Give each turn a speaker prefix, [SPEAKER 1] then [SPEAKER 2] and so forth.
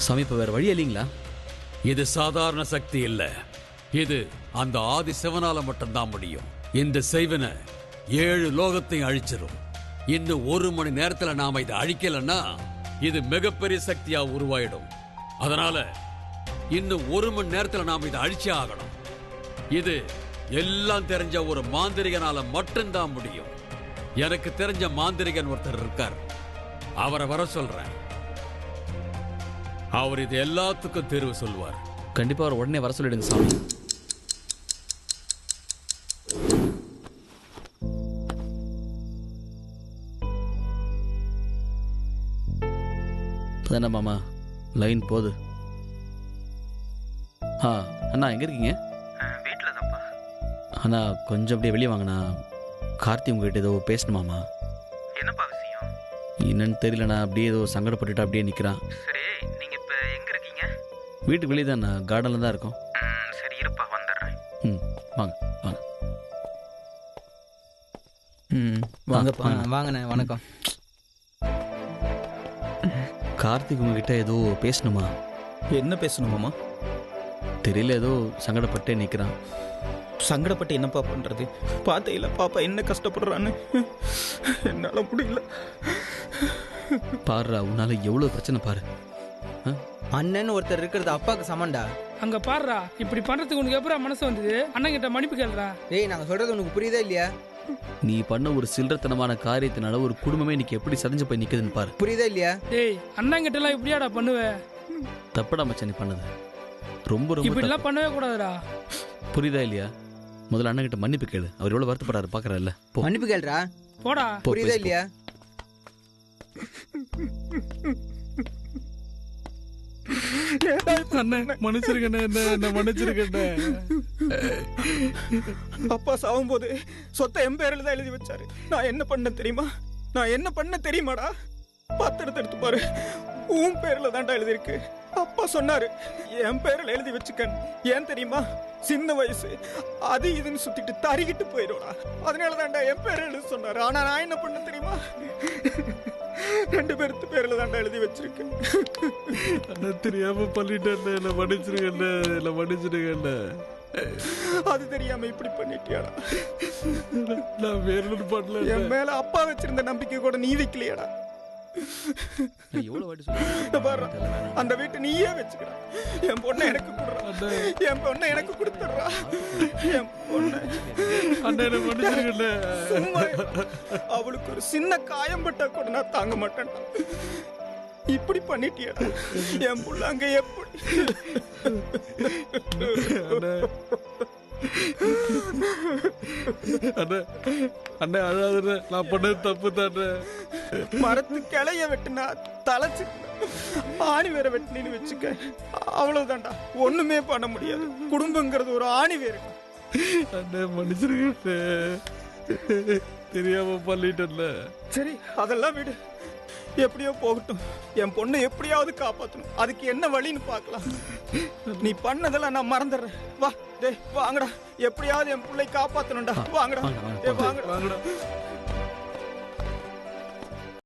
[SPEAKER 1] சாமி இப்ப வேற வழி இல்லைங்களா?
[SPEAKER 2] இது சாதாரண சக்தி இல்ல, இது அந்த ஆதி சிவனால மட்டும்தான் முடியும். இந்த செய்வன 7 லோகத்தையும் அழிச்சிரும். இன்னும் 1 மணி நேரத்துல நாம இதை அழிக்கலன்னா இது மிகப்பெரிய சக்தியா உருவாயிடும். அதனால இன்னும் 1 மணி நேரத்துல நாம இதை அழிச்சே ஆகணும். இது எல்லாம் தெரிஞ்ச ஒரு மாந்திரிகனால மட்டும்தான் முடியும். எனக்கு தெரிஞ்ச மாந்திரிகன் ஒருத்தர் இருக்கார், அவரை வர சொல்றேன். அவர் இது எல்லாத்துக்கும் தேர்வு சொல்வார்.
[SPEAKER 1] கண்டிப்பா அவர் உடனே வர சொல்லிடுங்க சாமி. தானே மாமா லைன் போகுது. அண்ணா எங்க இருக்கீங்க?
[SPEAKER 3] வீட்டில் தான்ப்பா.
[SPEAKER 1] அண்ணா கொஞ்சம் அப்படியே வெளியே வாங்கண்ணா. கார்த்தி உங்ககிட்ட ஏதோ பேசணுமாமா.
[SPEAKER 3] என்னப்பா விஷயம்?
[SPEAKER 1] என்னன்னு தெரியலண்ணா, அப்படியே ஏதோ சங்கடப்பட்டுட்டு அப்படியே நிற்கிறான்.
[SPEAKER 3] சரி, நீங்கள் இப்போ எங்கே இருக்கீங்க?
[SPEAKER 1] வீட்டுக்கு வெளியே தான்ண்ணா, கார்டனில் தான் இருக்கோம்.
[SPEAKER 3] சரி இருப்பா, வந்துடுறேன்.
[SPEAKER 1] வாங்க வாங்க.
[SPEAKER 4] வாங்கப்பா. வாங்கண்ணே, வணக்கம்.
[SPEAKER 1] கார்த்திக் உங்ககிட்ட ஏதோ பேசணுமா?
[SPEAKER 4] என்ன பேசணுமாம்மா?
[SPEAKER 1] தெரியல, ஏதோ சங்கடப்பட்டே நிற்கிறான்.
[SPEAKER 4] சங்கடப்பட்டு என்னப்பா பண்ணுறது? பார்த்தையில பாப்பா என்ன கஷ்டப்படுறான்னு என்னால் முடியல.
[SPEAKER 1] பாருடா, உன்னால எவ்வளோ பிரச்சனை பாரு.
[SPEAKER 5] அண்ணன் ஒருத்தர் இருக்கிறது அப்பாவுக்கு சமண்டா.
[SPEAKER 6] அங்க பாருடா, இப்படி பண்றதுக்கு உனக்கு எப்பறம் மனசு வந்தது? அண்ணன் கிட்ட மன்னிப்பு கேளுடா.
[SPEAKER 5] டேய், நாங்க சொல்றது உனக்கு புரியுதா இல்லையா?
[SPEAKER 1] நீ பண்ண ஒரு சில்லறத்தனமான காரியத்தினால ஒரு குடும்பமே இன்னைக்கு எப்படி சரிஞ்சு போய் நிக்குதுன்னு பாரு.
[SPEAKER 5] புரியுதா இல்லையா?
[SPEAKER 6] டேய், அண்ணன் கிட்ட எல்லாம் இப்படியாடா பண்ணுவ?
[SPEAKER 1] தப்புடா மச்சான் நீ பண்ணது. ரொம்ப ரொம்ப
[SPEAKER 6] இப்படி எல்லாம் பண்ணவே கூடாதுடா.
[SPEAKER 1] புரியுதா இல்லையா? முதல்ல அண்ணன் கிட்ட மன்னிப்பு கேளு. அவர் எவ்வளவு வருத்தப்படுறாரு பாக்குறல்ல.
[SPEAKER 5] மன்னிப்பு கேளுடா.
[SPEAKER 6] போடா.
[SPEAKER 5] புரியுதா இல்லையா?
[SPEAKER 4] அப்பா சாவும் போது சொத்தை என் பேரில் தான் எழுதி வச்சாரு. நான் என்ன பண்ண தெரியுமா? நான் என்ன பண்ண தெரியுமாடா? பத்திரத்தை எடுத்து பாரு, உன் பேர்ல தான்டா எழுதிருக்கு. அப்பா சொன்னாரு என் பேரில் எழுதி வச்சுக்கன்னு. ஏன் தெரியுமா? சின்ன வயசு அது இதுன்னு சுத்திட்டு தறிக்கிட்டு போயிடும்டா. அதனால தான்டா என் பேர் எழுதி சொன்னாரு. ஆனா நான் என்ன பண்ண தெரியுமா? 2 பேருக்கு பேர்ல தான்டா எழுதி வச்சிருக்கேன்.
[SPEAKER 2] தெரியாம பண்ணிட்டேன், மன்னிச்சிருக்கேன்.
[SPEAKER 4] அது தெரியாம இப்படி பண்ணிட்டியாடா?
[SPEAKER 2] நான் வேற ஒன்றும் பண்ணல.
[SPEAKER 4] என் மேல அப்பா வச்சிருந்த நம்பிக்கை கூட நீ வைக்கலையாடா? அந்த வீட்டை நீயே வச்சுக்கிறா. என் பொண்ணை எனக்கு கொடுறா. என் பொண்ணை எனக்கு கொடுத்துடுறா. என் பொண்ணை அவளுக்கு ஒரு சின்ன காயம் பட்டா கூட நான் தாங்க மாட்டேன். இப்படி பண்ணிட்டியடா என் புள்ள. அங்க எப்படி
[SPEAKER 2] அண்ணே அழாதுண்ணே, நான் பண்ணது தப்பு தானே.
[SPEAKER 4] மரத்து கிளைய வெட்டினா தலைச்சு ஆணி வேற வெட்டினு வச்சுக்க, அவ்வளவுதான்டா. ஒண்ணுமே பண்ண முடியாது. குடும்பங்கிறது ஒரு ஆணி வேறு.
[SPEAKER 2] அண்ணே மன்னிச்சிருக்க, தெரியாம பண்ணிட்டேன்ல.
[SPEAKER 4] சரி அதெல்லாம் விடு, எப்படியோ போகட்டும். என் பொண்ணை எப்படியாவது காப்பாற்றணும். அதுக்கு என்ன வழின்னு பார்க்கலாம். நீ பண்ணதெல்லாம் நான் மறந்துடுறேன். வா டே வாங்கடா, எப்படியாவது என் பிள்ளை காப்பாற்றணும்டா. வாங்கடா, வாங்கடா.